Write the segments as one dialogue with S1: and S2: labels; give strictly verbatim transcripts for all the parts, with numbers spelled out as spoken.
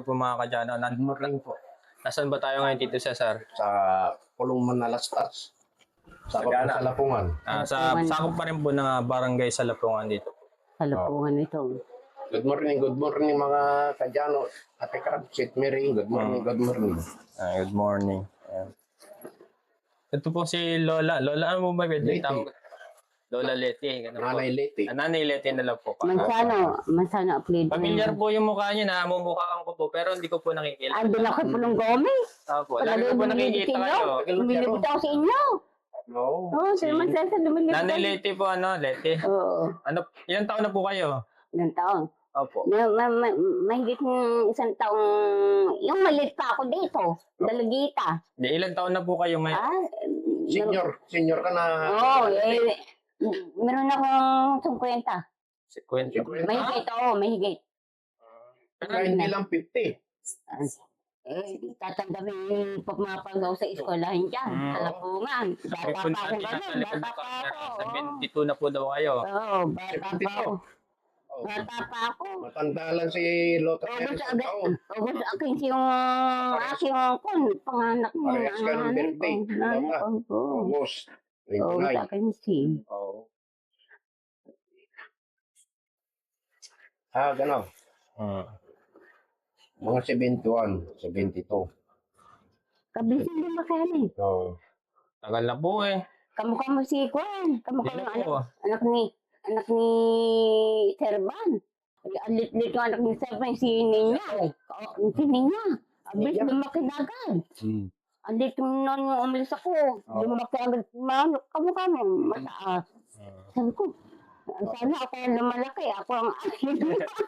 S1: po mga kadyano.
S2: Good morning po.
S1: Nasaan ba tayo ngayon, Tito Cesar?
S2: Sa Pulong Manalastas. Sa
S1: Sagana.
S2: sa Lapungan.
S1: Ah, sa sakop pa rin po ng ah, barangay sa Lapungan dito.
S3: Sa Lapungan ito.
S2: Good morning, good morning mga kadyano. Ate Crab, St. Mary, good morning, good morning.
S1: Ah, good morning. Ayan. Ito po si Lola. Lola, ano mo ba pwede
S2: Leti.
S1: tawag? Lola Leti. Ganun po.
S2: Nanay Leti.
S1: Ah, Nanay Leti na lang po.
S3: Mansano, Mansano apelido.
S1: Familiar po yung mukha niya, namumukhaan ko po, pero hindi ko po nakikita.
S3: Andun ako Pulong Gomez.
S1: Opo, lagi ko po nakikita kayo.
S3: Lumilipit ako sa inyo.
S2: No.
S3: Oo, si Mansano lumilipit.
S1: Nanay Leti po, ano, Leti.
S3: Oo,
S1: Ano, ilang taon na po kayo?
S3: ilang taon.
S1: Opo.
S3: Ma, ma, ma, mahigit ng isang taong, yung malit pa ako dito, dalagita.
S1: Di, ilang taon na po kayo ngayon?
S3: Ah,
S2: Senior, senior ka na.
S3: Oo, eh, meron akong singkwenta.
S1: Kwento.
S3: Mahigit, oo, mahigit.
S2: Kaya hindi lang fifty.
S3: Ah, Eh, tatandami yung pagmapagaw sa eskwelahan dyan,
S1: Mm.
S3: sa Lapungan. Bata pa ako gano'n, bata pa ako. oo.
S1: seventy-two na po daw kayo.
S3: Oo, bata pa ako.
S2: Oh.
S3: Bata pa ako.
S2: Matanda lang si Lota
S3: August
S2: Perez
S3: agad,
S2: sa taon.
S3: August akin yung aking kun, panganak mo.
S2: Parehas ka ng birthday, Lota.
S3: Oo,
S2: August.
S3: August
S2: twenty-nine.
S3: akin si.
S2: Oo. Ah, gano'n.
S1: Hmm.
S2: Mga seventy-one, seventy-two.
S3: Kabisin din ba kaya ni?
S2: Oo.
S1: Tagal na po eh.
S3: Kamukha mo si Kwan. Kamukha
S1: Hindi
S3: mo
S1: na po.
S3: anak, anak ni, anak ni Serban. Ang lit-lit yung anak ni Serban, si Ninya. Oo, si Ninya. Abis,
S2: Ninya?
S3: lumaki na agad.
S2: Hmm.
S3: Ang lit yung noon yung umalis ako.
S2: Oo.
S3: Lumaki agad. Ma, kamukha mo, mataas. Sabi ko, sana ako ang lumalaki. Ako ang akin.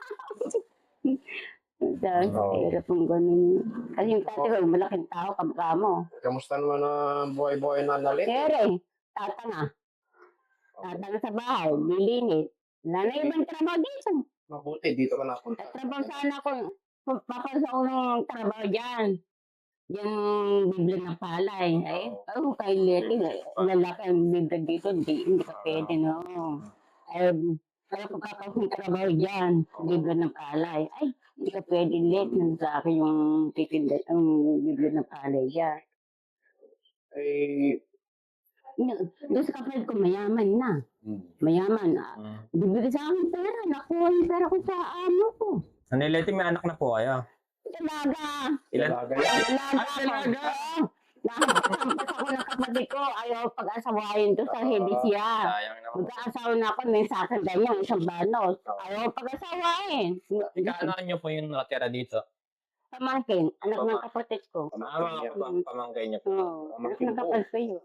S3: Dahil sa
S2: Oo.
S3: hirap ng ganun. Kasi yung tatay ko, malaking tao, kamukha mo.
S2: Kamusta naman ang buhay-buhay na nalit?
S3: Sere, tata na. Tata na sa bahay, lilinit. Wala na ibang trabaho dito.
S2: Mabuti, dito ka napunta.
S3: Trabaho sana ako. Papasok ako ng trabaho dyan. Yung bibla ng palay. Ay, oh, kay Leti, lalaki ang bibla dito. Hindi, hindi ka pwede, no. Ay, kaya pagkakasok ng trabaho dyan, bibla ng palay. Ay, hindi ka pwede, Let. Sa akin yung titinda, ang bibla ng palay dyan.
S2: Eh,
S3: Doon sa kapatid ko, mayaman na.
S2: hmm.
S3: Mayaman. Ah,
S1: Hmm.
S3: bibigay sa akin pera. Nakuha yung pera ko sa amo ko.
S1: Nanay Leti, may anak na po kayo.
S3: Talaga.
S1: Ilan?
S2: Talaga yan.
S3: Talaga.
S1: Ah, talaga?
S3: Oo. Nakakampas ako ng kapatid ko. Ayaw pag-asawahin doon sa Hedisya.
S1: Sayang naman.
S3: Mag-aasawa na ako. May sakit ganyan. Isang banos. Ayaw pag-asawahin.
S1: Ikaano nyo po yung nakatira dito?
S3: Pamangkin. Anak ng kapatid ko.
S1: Ah, mga pam- pamangkay niyo po.
S3: Oo. Anak ng kapatid ko yun.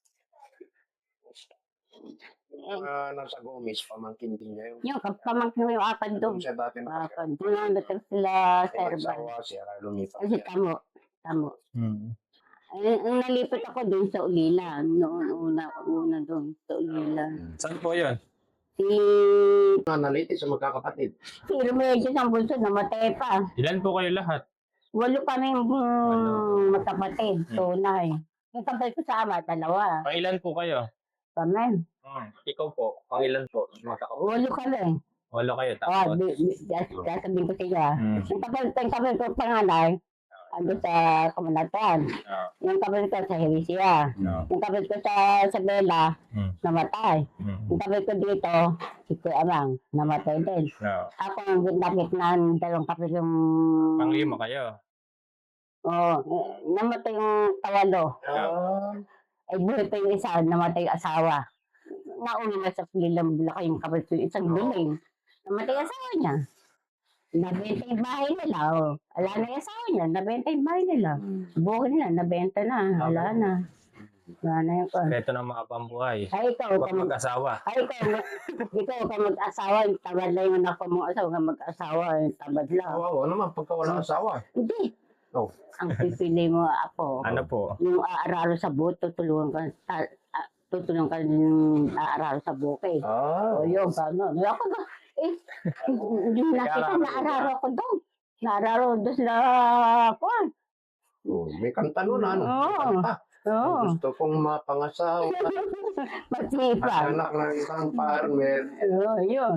S2: Ah, nasa Gomez, pamangkin din niya yun.
S3: Yung pamangkin ko yung apat doon.
S2: Doon siya dati na
S3: Apat. Doon lang natin sila serban.
S2: nagsawa siya, lumipat
S3: Kasi
S2: siya.
S3: tamo. Tamo.
S1: Hmm.
S3: Ay, ang nalipat ako doon sa Ulila. Noon una, una doon sa Ulila.
S1: Saan po yun?
S3: Si,
S2: Mga naliti sa magkakapatid.
S3: si Remedios ang bunso, namatay pa.
S1: Ilan po kayo lahat?
S3: Walo kami mm, magkapatid, tunay. Yung kapatid ko sa ama, dalawa.
S1: Pang ilan po kayo?
S3: Kami.
S1: Hmm. Ikaw po, pang ilan po? Magkaka-
S3: Walo kami.
S1: Walo kayo,
S3: Oh,
S1: tapos?
S3: di, di, das- sasabihin ko sila.
S1: Hmm.
S3: Yung kapatid, yung kapatid ko panganay, ando sa kamanatan.
S1: Ah,
S3: Yung kapatid ko sa Heresia.
S1: no.
S3: Yung kapatid ko sa Isabela,
S1: Hmm.
S3: namatay.
S1: Hmm.
S3: Yung kapatid ko dito, si Kuya Amang, namatay din.
S1: No.
S3: Ako ang ginamit ng dalawang kapatid yung...
S1: Pang lima kayo.
S3: Oo, eh, namatay yung tawalo.
S2: Ah,
S3: Ay buhay pa yung isa, namatay yung asawa. Nauna na sa Pilang Bulacay yung kapatid ko, isang buling. Namatay yung asawa niya. Nabenta yung bahay nila. Oh. Wala na yung asawa niya, nabenta yung bahay nila. Buhay nila, nabenta na. Wala na. Wala na yung kon.
S1: Ito ng mga pambuhay.
S3: Ay, ikaw,
S1: Huwag
S3: ka mag-
S1: mag-asawa.
S3: ay, ikaw, ikaw ka mag-asawa, yung tamad lang yung anak mo asawa, ka mag-asawa, yung tamad lang.
S2: kawawa naman pagka walang asawa.
S3: Hindi.
S2: Oh.
S3: Ang pipili mo ako,
S1: Ano po?
S3: yung aararo sa buhok, tutulungan ka, ta- ah, tutulungan ka yung aararo sa bukid.
S2: Ah,
S3: O yun, gano'n. Ako ba, eh, yung nakita, naararo ko doon. Naararo doon sa kwan.
S2: oh, may kanta nun, ano? May
S3: Oo.
S2: kanta.
S3: Oo.
S2: Gusto kong mapangasawa.
S3: Magsipa.
S2: Anak ng isang farmer.
S3: Oo, yun.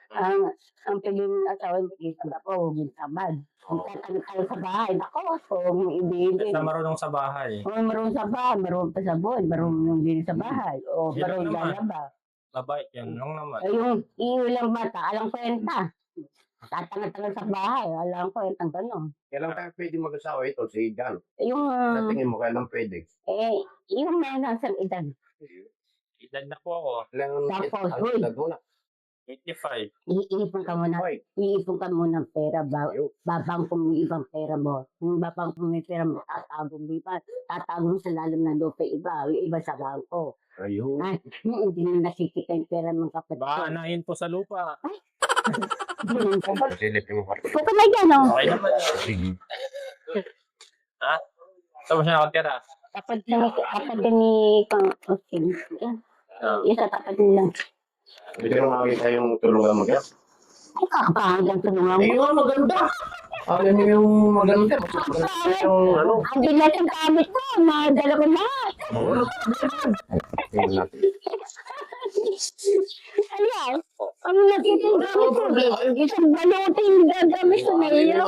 S3: Ang, ang pili ng asawa, isa na po, huwag tamad. Ang tatanong tayo sa bahay, nako, kung ibigin.
S1: Na marunong sa bahay.
S3: O marunong sa bahay, marunong pa sa buwan, marunong din sa bahay. O
S1: Yun lang
S3: marunong
S1: naman.
S3: lalaba.
S1: Babae, yan lang naman.
S3: Ay, yung iulang bata, alang kwenta. Tatanga-tanga sa bahay, alang kwenta, gano'n.
S2: Kailan kaya pwede mag-asawa ito si Jan?
S3: Yung,
S2: Sa
S3: uh,
S2: tingin mo, kailan pwede?
S3: eh, yung may nasa edad.
S1: Edad na po ako.
S2: Kailangan
S3: Tapos,
S2: ang
S3: uy.
S2: edad mo na.
S1: eighty-five.
S3: Iipon ka muna,
S2: Hoy,
S3: iipon ka muna ng pera, ba,
S2: Ayaw.
S3: babang kung may ibang pera mo. Yung babang kung may pera mo, tatago mo iba, tatago mo sa lalim ng lupa iba, yung iba sa bangko.
S2: Ayun.
S3: Ay, hindi na nakikita yung pera ng kapatid ko.
S1: Baka anahin po sa lupa.
S3: Ganun po.
S2: Silipin mo.
S3: Puko na dyan, oh.
S1: Okay naman.
S2: Sige.
S1: Ha? Saan mo siya nakatira?
S3: Tapat na, tapat din ni Kang Austin. Yan,
S1: Ah.
S3: isa tapat nila.
S2: Pwede ko makita yung tulungan mo dyan.
S3: Ay, kakapahanggang tulungan mo.
S2: Ayun, maganda. Alam mo yung maganda. Yung ano.
S3: Ang bilat ang gamit ko, nadala ko na.
S2: Tingnan natin.
S3: Ayan, ang nakita yung gamit ko. Isang baluti yung gagamit ko na iyo.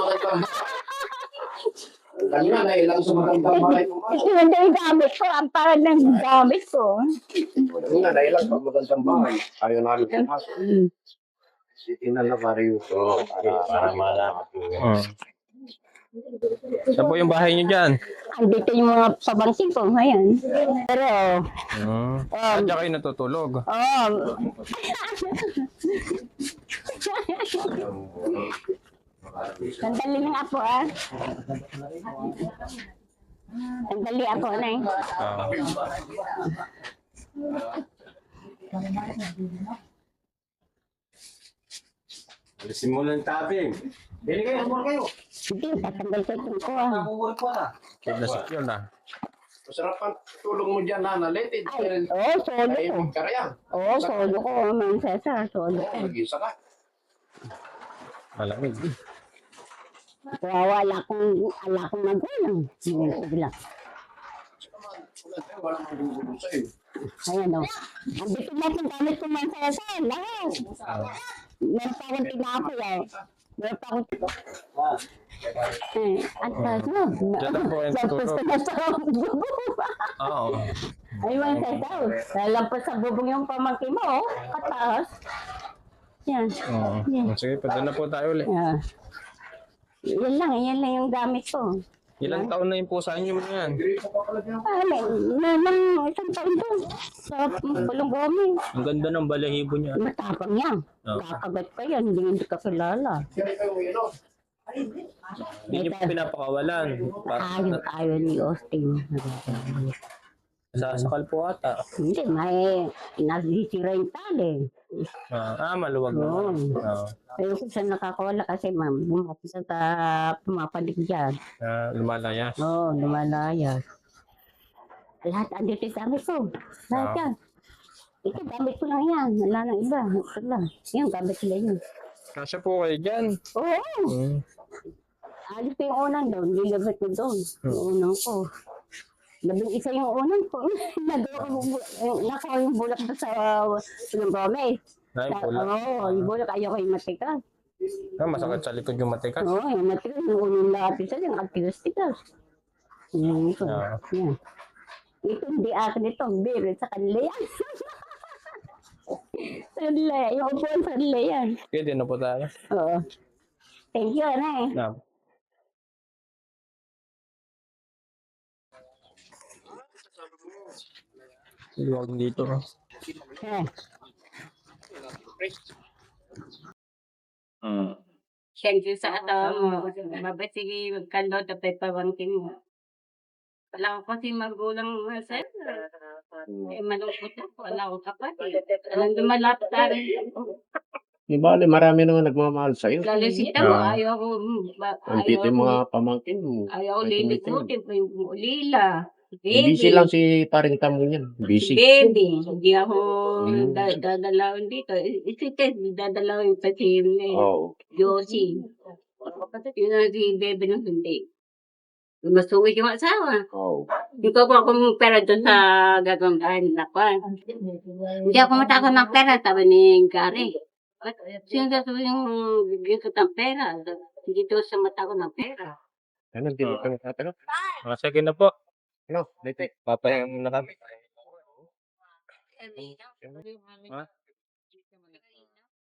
S2: Kanina na ilang sa magandang bahay mo.
S3: Isinanda yung gamit ko, ang parang ng gamit ko.
S2: Kanina na ilang sa magandang bahay. Ayaw namin pumasok.
S3: Mm.
S2: Tingnan na pare yung para, para malaman ko.
S1: Hmm. Saan po yung bahay niyo dyan?
S3: Andito yung mga pabangkin ko ngayon. Pero,
S1: Hmm.
S3: um,
S1: Saan dyan kayo natutulog?
S3: oh, sandali lang ako ah. Sandali ako na eh.
S1: Ah.
S4: Alisin mo ng tabi. Bili kayo, mura kayo.
S3: Hindi, tatanggal ko itong ko ah.
S4: Nakukuha ko na.
S1: Secure na secure na.
S2: Masarap ang tulog mo dyan, Nana. Letid.
S3: Ay, oh, solo
S2: Ay,
S3: ko.
S2: ka kaya.
S3: Oo, solo ko, Ma'am Cesar, solo ko.
S2: Mag-isa ka.
S1: Malamig.
S3: Kawawa, wala akong, wala akong magulang. Bigla.
S2: Walang magugulo sa'yo.
S3: Ayan o. Ang bitin natin gamit ko Ma'am Cesar, lahat. Meron pa akong tinapoy ah. Meron pa akong eh, at ano?
S1: Diyan na po yung
S3: Lampas
S1: tutulog.
S3: na sa bubong.
S1: Oo.
S3: Ay, Ma'am Cesar, lampas sa bubong yung pamangkin mo, oh. Kataas. Yan.
S1: Oo.
S3: Yan.
S1: Sige, pwede na po tayo ulit.
S3: Ah. Yan lang, yan lang yung gamit ko.
S1: Ilang taon na yung pusa niyo mo yan?
S3: Ah, may, may, may isang taon doon. Sa Pulong Gomez.
S1: Ang ganda ng balahibo niya.
S3: Matapang yan.
S1: Oo.
S3: Kakagat pa yan, hindi hindi ka kilala.
S1: Hindi niyo po pinapakawalan. Pa-
S3: Ayaw, ayaw ni Austin.
S1: Sasakal po ata.
S3: Hindi, may nasisira yung tali.
S1: Ah, ah maluwag
S3: Oo.
S1: naman. Oo.
S3: Pero kung saan nakakawala kasi ma'am, bumapit sa ta- pumapalig dyan.
S1: Ah, lumalayas.
S3: Oo, oh, lumalayas. Lahat andito yung gamit ko. Lahat
S1: Ah.
S3: yan. Ito, gamit ko lang yan. Wala nang iba. Ito lang. Yan, gamit ko lang yun.
S1: Kasya po kayo dyan.
S3: Oo.
S1: Hmm.
S3: Alis ko yung unang doon. Nilabit ko doon. Yung unang ko. Labing isa yung unang ko. Nagawa ko yung bu- yung- Nakaw yung bulak doon sa Pulong Gomez.
S1: Ay, pula.
S3: Oo, yung bulak ayaw ko yung matikas.
S1: Ah, masakit sa likod yung matikas.
S3: Oo, yung matikas. Yung unang lapis sa yung atigas-tigas. Yan ito.
S1: Ah.
S3: Yan. Ito hindi akin ito. Birit sa kanila yan. Sa kanila yan. Yung upuan sa kanila yan.
S1: Pwede na po tayo.
S3: Oo. Thank you, Anay.
S1: Na. Luwag dito. no?
S3: Eh.
S1: Hmm.
S3: Siyempre sa ato mo, mabait sige magkano tapay pabangkin mo. Wala ko kasi magulang mo, sir. Eh, malungkot ako. Wala akong kapatid. Walang dumalapit sa akin.
S2: Di bale, marami naman nagmamahal sa'yo.
S3: Lalo si Tamo,
S1: Ah.
S3: ayaw ko, ba-
S2: Ang
S3: ayaw
S2: tito yung
S3: ko,
S2: mga pamangkin mo.
S3: ayaw ko
S2: May
S3: lilikutin pa yung ulila.
S2: Busy
S3: Baby.
S2: lang si paring tamo niyan. Busy.
S3: Baby. Hindi ako
S2: Mm.
S3: da- dadalawin dito. Isitin, dadalawin pa si eh,
S2: Oo.
S3: Josie. Yun na si Bebe nung hindi. Masuwi yung asawa.
S2: Oo.
S3: Hindi ko po ako pera doon sa gagawin bahay nila ko. Hindi ako matakot ng pera, sabi ni Gary. At sino sasabihin yung bigyan kita ng pera? Hindi daw sa mata ko ng pera.
S2: Ano, hindi mo kami tatanong.
S1: Mga sige na po.
S2: Ano, dito.
S1: Papahinga muna kami.
S3: Sabi,
S1: Ha?